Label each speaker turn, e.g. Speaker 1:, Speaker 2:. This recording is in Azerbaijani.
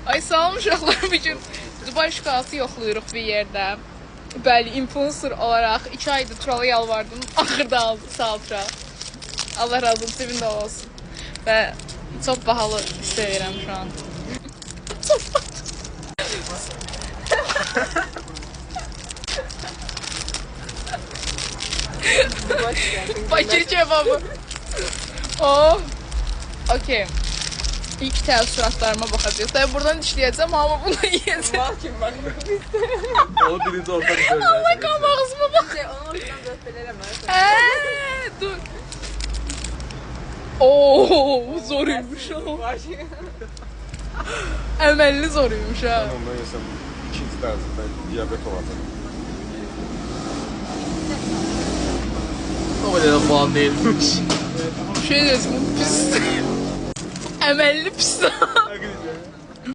Speaker 1: Ay sağ olun uşaqlar, bugün Dubai şokolatı yoxlayırıq bir yerdə. Bəli, influencer olaraq 2 aydır Turala yalvardım, axırda aldı, sağ ol Tural. Allah razı olsun, sevin də olsun. Və çox bahalı istəyirəm şu an. Bakır kebabı. Oh. Okey. İlk təəssüratlarıma baxacağız. Tabii buradan dişləyəcəm ama bunu yiyəcəm.
Speaker 2: Var kim bak.
Speaker 3: Onu birinci orta bir
Speaker 1: Allah qan ağzıma bax.
Speaker 2: Onu oradan döpələrəm.
Speaker 1: Dur. Oo, zoruymuş o. Əməlli zoruymuş ha.
Speaker 3: Ondan yesem ikinci derecede diyabet olacak.
Speaker 4: O kadar falan değilmiş.
Speaker 1: Şey desin, pis. Əməlli pis.